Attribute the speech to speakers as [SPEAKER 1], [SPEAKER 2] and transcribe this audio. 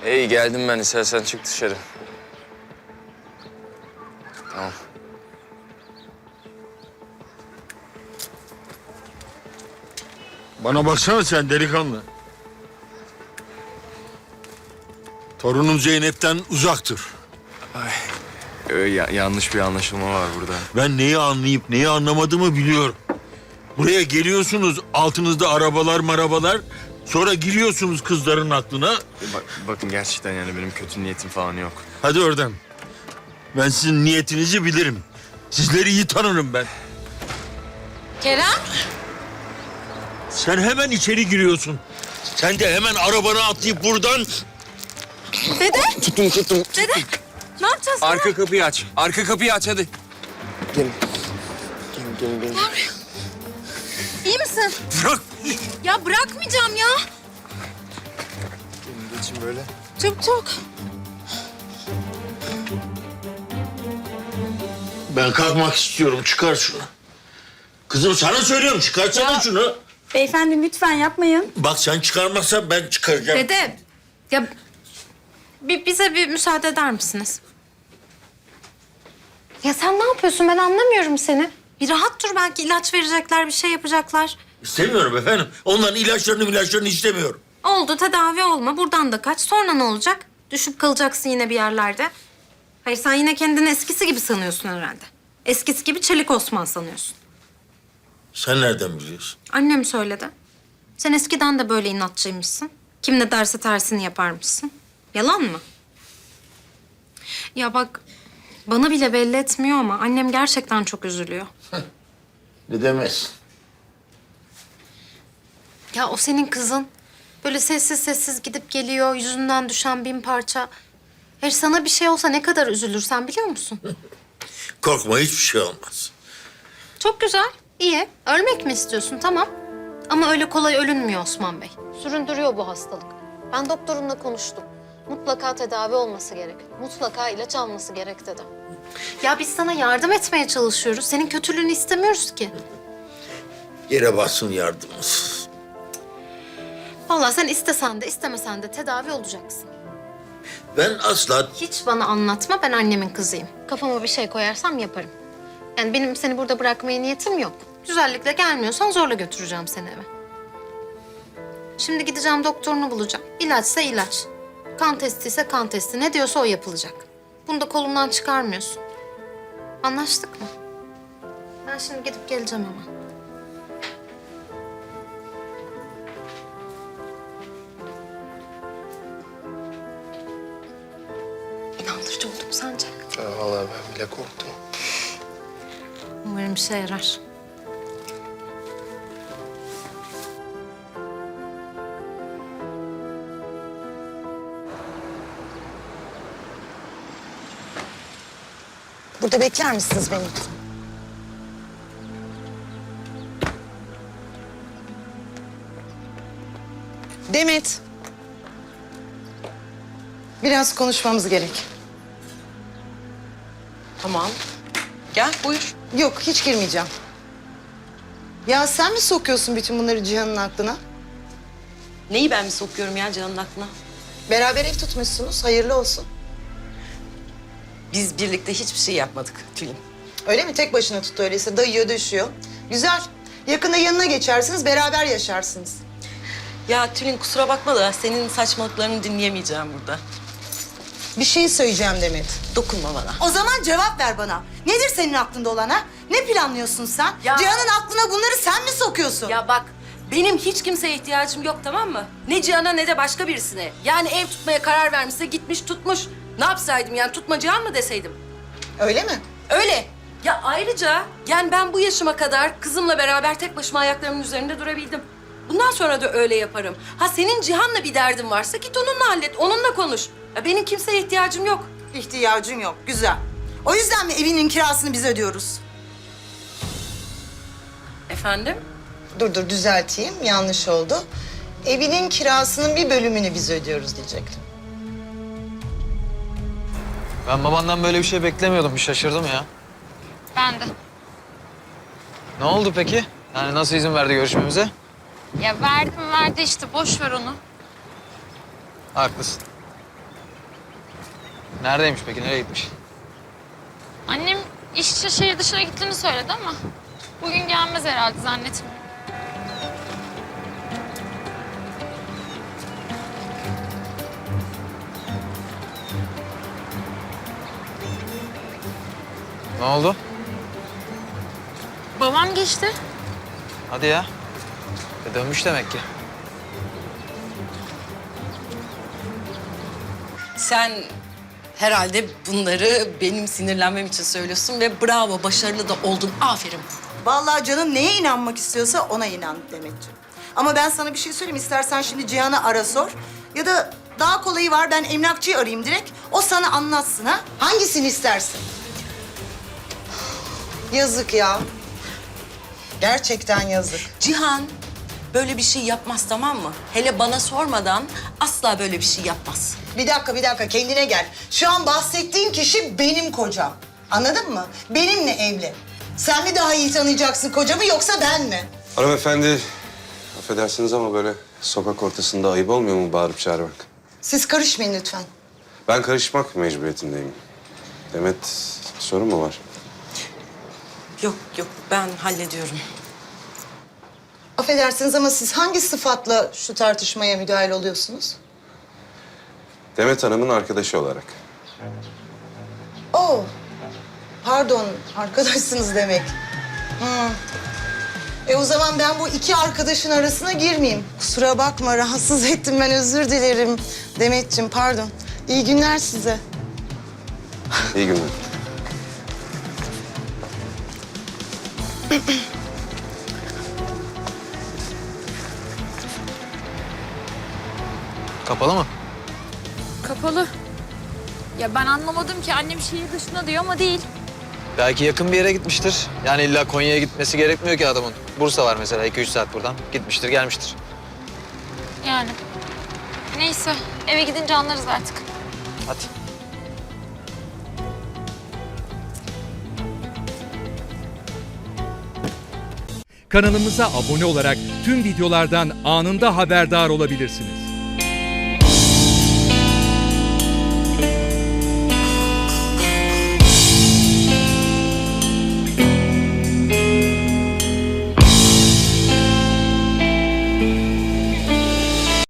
[SPEAKER 1] İyi geldim ben. İstersen çık dışarı. Tamam.
[SPEAKER 2] Bana baksana sen delikanlı. Torunum Zeynep'ten uzak dur.
[SPEAKER 1] Yanlış bir anlaşılma var burada.
[SPEAKER 2] Ben neyi anlayıp neyi anlamadığımı biliyorum. Buraya geliyorsunuz, altınızda arabalar marabalar. Sonra giriyorsunuz kızların aklına.
[SPEAKER 1] Bakın gerçekten yani benim kötü niyetim falan yok.
[SPEAKER 2] Hadi oradan. Ben sizin niyetinizi bilirim. Sizleri iyi tanırım ben.
[SPEAKER 3] Kerem?
[SPEAKER 2] Sen hemen içeri giriyorsun. Sen de hemen arabana atlayıp buradan...
[SPEAKER 3] Dede?
[SPEAKER 1] Tuttum.
[SPEAKER 3] Dede? Ne yapacağız?
[SPEAKER 1] Arka kapıyı aç. Arka kapıyı aç hadi. Gelin. Gelin.
[SPEAKER 3] İyi misin?
[SPEAKER 2] Bırak!
[SPEAKER 3] Ya bırakmayacağım ya.
[SPEAKER 1] Gelin geçin böyle.
[SPEAKER 3] Çabuk.
[SPEAKER 2] Ben kalkmak istiyorum. Çıkar şunu. Kızım sana söylüyorum. Çıkarsana
[SPEAKER 3] Ya.
[SPEAKER 2] şunu.
[SPEAKER 4] Beyefendi lütfen yapmayın.
[SPEAKER 2] Bak sen çıkarmazsan ben çıkaracağım.
[SPEAKER 3] Dede, ya bize bir müsaade eder misiniz? Ya sen ne yapıyorsun? Ben anlamıyorum seni. Bir rahat dur, belki ilaç verecekler, bir şey yapacaklar.
[SPEAKER 2] İstemiyorum efendim. Onların ilaçlarını istemiyorum.
[SPEAKER 3] Oldu, tedavi olma. Buradan da kaç. Sonra ne olacak? Düşüp kalacaksın yine bir yerlerde. Hayır, sen yine kendini eskisi gibi sanıyorsun herhalde. Eskisi gibi Çelik Osman sanıyorsun.
[SPEAKER 2] Sen nereden biliyorsun?
[SPEAKER 3] Annem söyledi. Sen eskiden de böyle inatçıymışsın. Kim ne derse tersini yaparmışsın. Yalan mı? Ya bak, bana bile belli etmiyor ama annem gerçekten çok üzülüyor.
[SPEAKER 2] Ne demezsin?
[SPEAKER 3] Ya o senin kızın. Böyle sessiz sessiz gidip geliyor, yüzünden düşen bin parça. Her sana bir şey olsa ne kadar üzülürsen biliyor musun?
[SPEAKER 2] Korkma hiçbir şey olmaz.
[SPEAKER 3] Çok güzel, iyi. Ölmek mi istiyorsun? Tamam. Ama öyle kolay ölünmüyor Osman Bey. Süründürüyor bu hastalık. Ben doktorumla konuştum. Mutlaka tedavi olması gerek. Mutlaka ilaç alması gerek dedi. Ya biz sana yardım etmeye çalışıyoruz. Senin kötülüğünü istemiyoruz ki.
[SPEAKER 2] Yere bassın yardımımız.
[SPEAKER 3] Vallahi sen istesen de istemesen de tedavi olacaksın.
[SPEAKER 2] Ben asla...
[SPEAKER 3] Hiç bana anlatma, ben annemin kızıyım. Kafama bir şey koyarsam yaparım. Yani benim seni burada bırakmaya niyetim yok. Güzellikle gelmiyorsan zorla götüreceğim seni eve. Şimdi gideceğim, doktorunu bulacağım. İlaçsa ilaç. Kan testi ise kan testi. Ne diyorsa o yapılacak. Bunu da kolumdan çıkarmıyorsun. Anlaştık mı? Ben şimdi gidip geleceğim ama. İnandırıcı oldu mu sence?
[SPEAKER 1] Vallahi ben bile korktum.
[SPEAKER 3] Umarım işe yarar.
[SPEAKER 4] Burada bekler misiniz beni? Demet. Biraz konuşmamız gerek.
[SPEAKER 5] Tamam. Gel buyur.
[SPEAKER 4] Yok, hiç girmeyeceğim. Ya sen mi sokuyorsun bütün bunları Cihan'ın aklına?
[SPEAKER 5] Neyi ben mi sokuyorum ya Can'ın aklına?
[SPEAKER 4] Beraber ev tutmuşsunuz, hayırlı olsun.
[SPEAKER 5] Biz birlikte hiçbir şey yapmadık Tülin.
[SPEAKER 4] Öyle mi? Tek başına tuttu öyleyse, dayıyor, döşüyor. Güzel. Yakında yanına geçersiniz, beraber yaşarsınız.
[SPEAKER 5] Ya Tülin kusura bakma da senin saçmalıklarını dinleyemeyeceğim burada.
[SPEAKER 4] Bir şey söyleyeceğim Demet.
[SPEAKER 5] Dokunma bana.
[SPEAKER 4] O zaman cevap ver bana. Nedir senin aklında olan ha? Ne planlıyorsun sen?
[SPEAKER 5] Ya-
[SPEAKER 4] Cihan'ın aklına bunları sen mi sokuyorsun?
[SPEAKER 5] Ya bak benim hiç kimseye ihtiyacım yok tamam mı? Ne Cihan'a ne de başka birisine. Yani ev tutmaya karar vermişse gitmiş tutmuş. Ne yapsaydım yani tutma Cihan mı deseydim?
[SPEAKER 4] Öyle mi?
[SPEAKER 5] Öyle. Ya ayrıca yani ben bu yaşıma kadar kızımla beraber tek başıma ayaklarımın üzerinde durabildim. Bundan sonra da öyle yaparım. Ha senin Cihan'la bir derdin varsa git onunla hallet, onunla konuş. Ya benim kimseye ihtiyacım yok.
[SPEAKER 4] İhtiyacın yok. Güzel. O yüzden mi evinin kirasını biz ödüyoruz?
[SPEAKER 5] Efendim?
[SPEAKER 4] Dur düzelteyim. Yanlış oldu. Evinin kirasının bir bölümünü biz ödüyoruz diyecektim.
[SPEAKER 6] Ben babandan böyle bir şey beklemiyordum. Bir şaşırdım ya.
[SPEAKER 7] Ben de.
[SPEAKER 6] Ne oldu peki? Yani nasıl izin verdi görüşmemize?
[SPEAKER 7] Ya verdi işte boş ver onu.
[SPEAKER 6] Haklısın. Neredeymiş peki? Nereye gitmiş?
[SPEAKER 7] Annem iş için şehir dışına gittiğini söyledi ama bugün gelmez herhalde zannetmiyorum.
[SPEAKER 6] Ne oldu?
[SPEAKER 7] Babam geçti.
[SPEAKER 6] Hadi ya. Dönmüş demek ki.
[SPEAKER 5] Sen herhalde bunları benim sinirlenmem için söylüyorsun ve bravo, başarılı da oldun. Aferin.
[SPEAKER 4] Vallahi canın neye inanmak istiyorsa ona inan Demetciğim. Ama ben sana bir şey söyleyeyim. İstersen şimdi Cihan'ı ara sor. Ya da daha kolayı var, ben emlakçıyı arayayım direkt. O sana anlatsın ha. Hangisini istersin? Yazık ya. Gerçekten yazık.
[SPEAKER 5] Cihan böyle bir şey yapmaz, tamam mı? Hele bana sormadan asla böyle bir şey yapmaz.
[SPEAKER 4] Bir dakika kendine gel. Şu an bahsettiğin kişi benim kocam. Anladın mı? Benimle evli. Sen mi daha iyi tanıyacaksın kocamı yoksa ben mi?
[SPEAKER 8] Hanımefendi, affedersiniz ama böyle sokak ortasında ayıp olmuyor mu bağırıp çağırmak?
[SPEAKER 4] Siz karışmayın lütfen.
[SPEAKER 8] Ben karışmak mecburiyetindeyim. Demet, sorun mu var?
[SPEAKER 5] Yok ben hallediyorum.
[SPEAKER 4] Affedersiniz ama siz hangi sıfatla şu tartışmaya müdahil oluyorsunuz?
[SPEAKER 8] Demet Hanım'ın arkadaşı olarak.
[SPEAKER 4] Oo, pardon, arkadaşsınız demek. O zaman ben bu iki arkadaşın arasına girmeyeyim. Kusura bakma, rahatsız ettim, ben özür dilerim. Demetciğim, pardon. İyi günler size.
[SPEAKER 8] İyi günler.
[SPEAKER 6] Kapalı mı?
[SPEAKER 7] Kapalı. Ya ben anlamadım ki annem şehir dışında diyor ama değil.
[SPEAKER 6] Belki yakın bir yere gitmiştir. Yani illa Konya'ya gitmesi gerekmiyor ki adamın. Bursa var mesela 2-3 saat buradan. Gitmiştir, gelmiştir.
[SPEAKER 7] Yani. Neyse eve gidince anlarız artık.
[SPEAKER 6] Hadi.
[SPEAKER 9] Kanalımıza abone olarak tüm videolardan anında haberdar olabilirsiniz.